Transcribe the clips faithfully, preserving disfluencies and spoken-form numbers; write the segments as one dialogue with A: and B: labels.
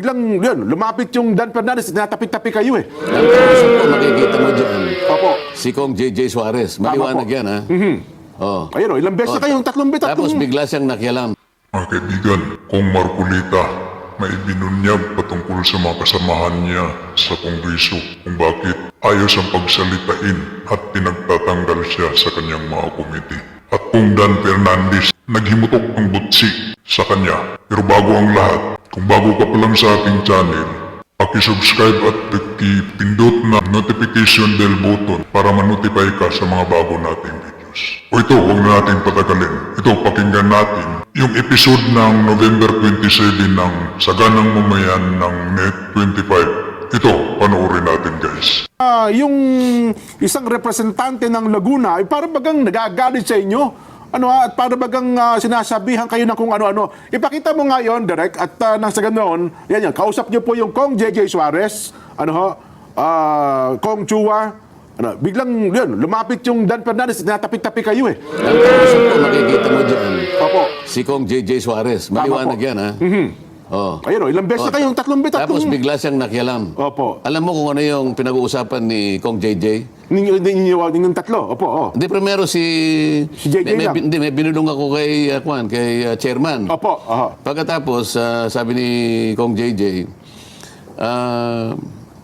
A: biglang yun, lumapit yung Dan Fernandez, natapik-tapik kayo eh.
B: Ang kausap ko, makikita mo dyan,
A: Opo.
B: si Kong J J Suarez. Maliwanag
A: po.
B: yan, ha? Oh.
A: Ayun o, ilang beses na kayong tatlong beses.
B: Tapos bigla siyang nakialam.
C: Mga kaibigan, kung Marcolita, may binunyag patungkol sa mga kasamahan niya sa Kongreso kung bakit ayos ang pagsalitain at pinagtatanggal siya sa kanyang mga komite. At kung Dan Fernandez, naghimutok ang butsi sa kanya. Pero bago ang lahat, kung bago ka pa lang sa ating channel, paki-subscribe at pindot na notification bell button para ma-notify ka sa mga bago nating videos. O ito, huwag na natin patagalin. Ito, pakinggan natin yung episode ng November twenty-seven ng Saganang Mamayan ng Net twenty-five. Ito, panoorin natin guys.
A: Ah, yung isang representante ng Laguna ay para bagang nagagalit sa inyo. Ano ha, at para bagang ah, sinasabihan kayo ng kung ano-ano. Ipakita mo nga yon, Direk, at uh, nang sa ganoon, yan yan, kausap niyo po yung Kong J J Suarez, ano ho, ah, Kong Chua, ano, biglang yun, lumapit yung Dan Fernandez, natapik-tapik kayo eh.
B: Ang kausap ko, makikita mo dyan,
A: Opo.
B: si Kong J J Suarez. Maliwanag
A: po.
B: yan, ha? Oh.
A: Ayun o, ilang beses na kayong tatlong beses.
B: Tapos
A: tatlong...
B: bigla siyang nakialam.
A: Opo.
B: Alam mo kung ano yung pinag-uusapan ni Kong J J?
A: Ninyo, ninyo, ninyong tatlo, opo, oh.
B: Hindi, primero si...
A: Si J J
B: may, may,
A: lang.
B: hindi, may binulong ako kay, uh, Kwan, kay uh, chairman.
A: Opo, aha.
B: Pagkatapos, ah, sabi ni Kong J J, ah,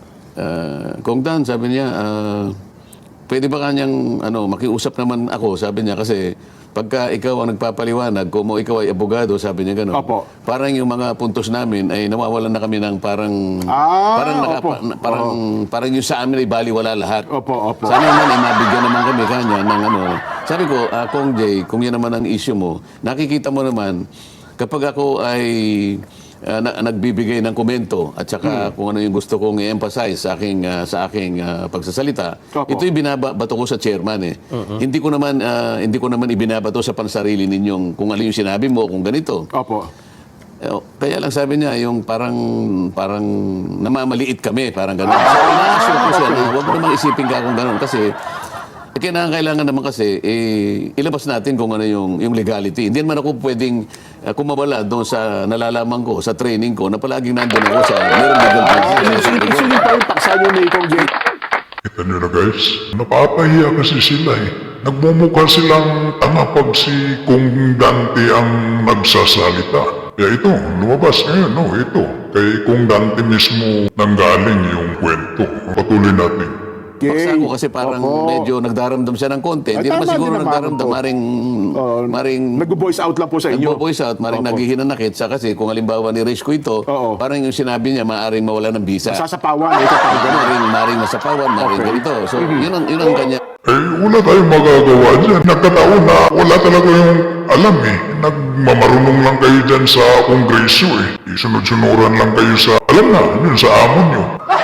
B: ah, Kong Dan, sabi niya, ah, pwede ba kanyang ano, makiusap naman ako, sabi niya, kasi pagka ikaw ang nagpapaliwanag, kung ikaw ay abogado, sabi niya gano'n.
A: Opo.
B: Parang yung mga puntos namin ay nawawalan na kami ng parang
A: Ah,
B: parang naka-
A: opo.
B: na- parang parang yung sa amin ay baliwala lahat.
A: Opo, opo.
B: Sana naman ay mabigyan naman kami kanya ng ano. Sabi ko, ah, Kong Jay, kung yan naman ang issue mo, nakikita mo naman kapag ako ay ah, na- nagbibigay ng komento at saka kung ano yung gusto kong i-emphasize sa aking ah, sa aking ah, pagsasalita,
A: Opo.
B: ito yung binabato ko sa chairman eh. Hindi ko naman ah, hindi ko naman ibinabato sa pansarili ninyong kung ano yung sinabi mo, kung ganito.
A: Opo.
B: Eh, oh, kaya lang sabi niya, yung parang parang namamaliit kami, parang gano'n. So, ina-assure ko siya na huwag mo namang isipin ka kung gano'n kasi eh, kailangan naman kasi eh, ilabas natin kung ano yung, yung legality. Hindi naman ako pwedeng uh, kumawala doon sa nalalaman ko, sa training ko, na palaging nandun ako sa meron legal process.
A: Gusto niyo pa yung paksa niyo ni Kong J J.
C: Kita nyo na guys, napapahiya kasi sila eh. Nagmumukha silang tanga pag si Kung Dante ang nagsasalita. Kaya ito, lumabas ngayon, no, ito. Kay Kung Dante mismo nanggaling yung kwento. Patuloy natin.
B: Paksa ko kasi parang
A: Opo.
B: medyo nagdaramdam siya ng konti.
A: Ay,
B: Hindi naman
A: tama
B: siguro
A: din naman
B: nagdaramdam,
A: po.
B: maring,
A: Oh,
B: maring
A: Nag-voice out lang po sa inyo.
B: nagpo-voice out, maring
A: Opo.
B: naghihinanakit sa kasi kung halimbawa ni Rich ko ito,
A: Oo.
B: parang yung sinabi niya, maaring mawala ng visa.
A: Sasapawan, ito pa ganun.
B: Maring, maring masapawan, maring
A: Okay.
B: ganito. So, yun ang, yun ang kanya.
C: Eh, wala tayong magagawa dyan. Nagkataon na wala talaga yung alam eh. Nagmamarunong lang kayo dyan sa kongreso eh. Isunod-sunuran lang kayo sa, alam na, yun sa amon nyo.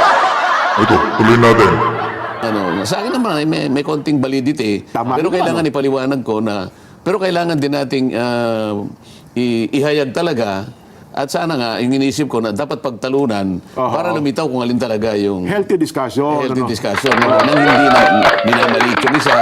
C: Ito, tuloy natin.
B: Ano, sa akin naman, ay may, may konting validity.
A: Tama
B: pero
A: naman,
B: kailangan ipaliwanag ko na, pero kailangan din nating ah, i- ihayag talaga. At sana nga, yung inisip ko na dapat pagtalunan
A: Aha.
B: para lumitaw kung alin talaga yung
A: Healthy discussion.
B: healthy
A: ano.
B: discussion. No? Nang hindi na minamaliit yung isa.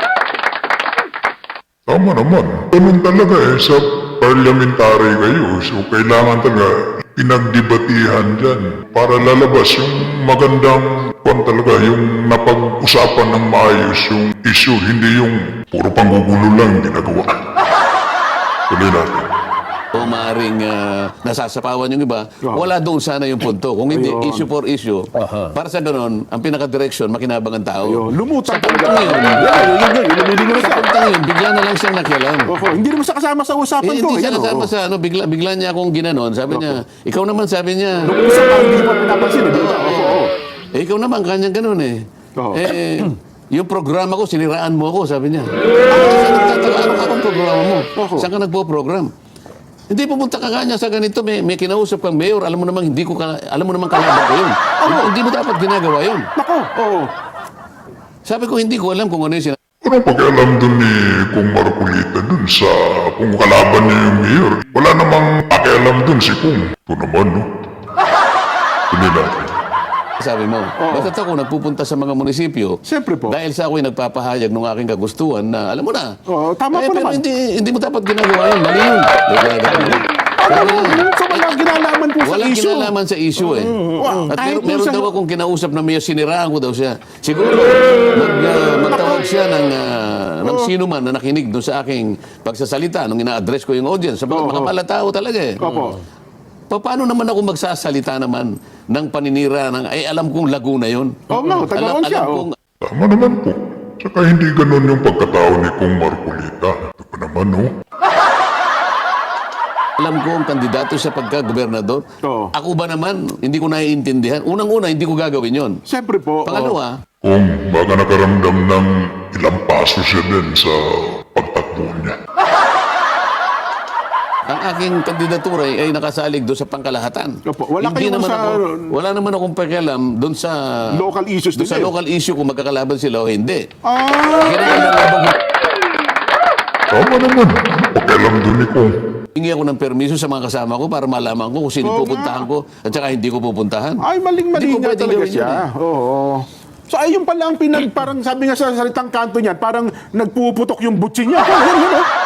C: Tama naman. Ganun talaga eh, sa parliamentary kayo. So, kailangan talaga pinagdebatihan dyan para lalabas yung magandang kung talaga, yung napag-usapan ng maayos yung issue, hindi yung puro panggugulo lang ginagawa. Tuloy natin.
B: O maaaring ah, nasasapawan yung iba, wala doon sana yung punto. Kung hindi,
A: Ayun.
B: issue for issue. Para sa ganun, ang pinaka-direction, makinabang ang tao.
A: Ayun, lumutang
B: Sa
A: talaga.
B: puntang yun,
A: Yan, yun, yun, yun, yun, lumilingon na
B: sa
A: siya.
B: puntang yun, bigla na lang siyang nakialam.
A: Oho, hindi naman siya kasama sa usapan
B: Eh,
A: ko.
B: hindi siya
A: Yan,
B: kasama
A: oo.
B: sa ano, bigla, bigla niya akong ginanon. Sabi niya, ikaw naman sabi niya.
A: Nung isa pa, hindi mo pinapansin. eh, di ba? Opo, oo.
B: Eh, ikaw naman, kanyang ganun eh.
A: Oo.
B: Eh, yung programa ko, siniraan mo ako, sabi niya. Ah, nagtataka, ano ka bang programa mo?
A: Oo.
B: Saan ka nagpo-program? Hindi, pumunta ka kanya sa ganito, may, may kinausap kang mayor, alam mo naman, hindi ko ka, alam mo naman kalaban ko yun. Hindi, hindi mo dapat ginagawa yun.
A: Nako, oo.
B: Sabi ko, hindi ko alam kung ano yung sinabi.
C: Ano pakialam dun ni Kung Marcolita dun sa kung kalaban niya yung mayor? Wala namang pakialam dun si Kung. Ito naman, no? Tuloy natin.
B: Sabi mo, bakit ako nagpupunta sa mga munisipyo?
A: Siyempre po.
B: Dahil sa ako'y nagpapahayag ng aking kagustuhan na, alam mo na.
A: Oo, tama
B: eh,
A: po
B: pero
A: naman.
B: hindi, hindi mo dapat ginagawa yun. Mali yun. Kaya ganun.
A: Ah, So walang kinalaman po sa
B: Walang
A: issue.
B: kinalaman sa issue eh.
A: Wow.
B: At
A: Kahit
B: meron, meron
A: minsan-
B: daw akong kinausap na may siniraan ko daw siya. Siguro, mag, uh, magtawag siya ng, uh, ng sino man na nakinig doon sa aking pagsasalita nung ina-address ko yung audience. Sabagat
A: Oo.
B: makapala tao talaga eh.
A: Opo.
B: Pa- Paano naman ako magsasalita naman ng paninira ng, ay alam kong Laguna yun.
A: Oo nga, Tagaon
B: alam,
A: siya,
B: alam
A: oh.
B: kong,
C: Tama naman po. Saka hindi ganun yung pagkatao ni Kong Marcolita. Ito pa naman, no?
B: alam ko ang kandidato sa pagka-gobernador.
A: Oo.
B: Ako ba naman, hindi ko naiintindihan. Unang-una, hindi ko gagawin yon.
A: Siyempre po. oh.
B: Pangalawa,
C: Kung baka nakaramdam ng ilang paso siya din sa pagtakbo niya.
B: ang aking kandidatura ay, ay nakasalig doon sa pangkalahatan.
A: Opo, wala
B: Hindi
A: kayong
B: naman
A: sa-
B: ako, wala naman akong pakialam doon sa
A: Local issues
B: doon
A: din
B: sa
A: eh.
B: local issue kung magkakalaban sila o hindi.
A: Ah,
B: Kinakailangan
C: Tama naman. Pakialam doon ni Kong.
B: hingi ako ng permiso sa mga kasama ko para malaman ko kung sino
A: Oo
B: pupuntahan ko at saka hindi ko pupuntahan.
A: ay, maling-mali
B: Hindi ko
A: nga
B: pwedeng
A: talaga
B: gawin
A: siya.
B: yun eh.
A: Oo. So, ayun pala ang pinag, parang sabi nga sa salitang kanto niyan, parang nagpuputok yung butsi niya. Ayun, yun, oh.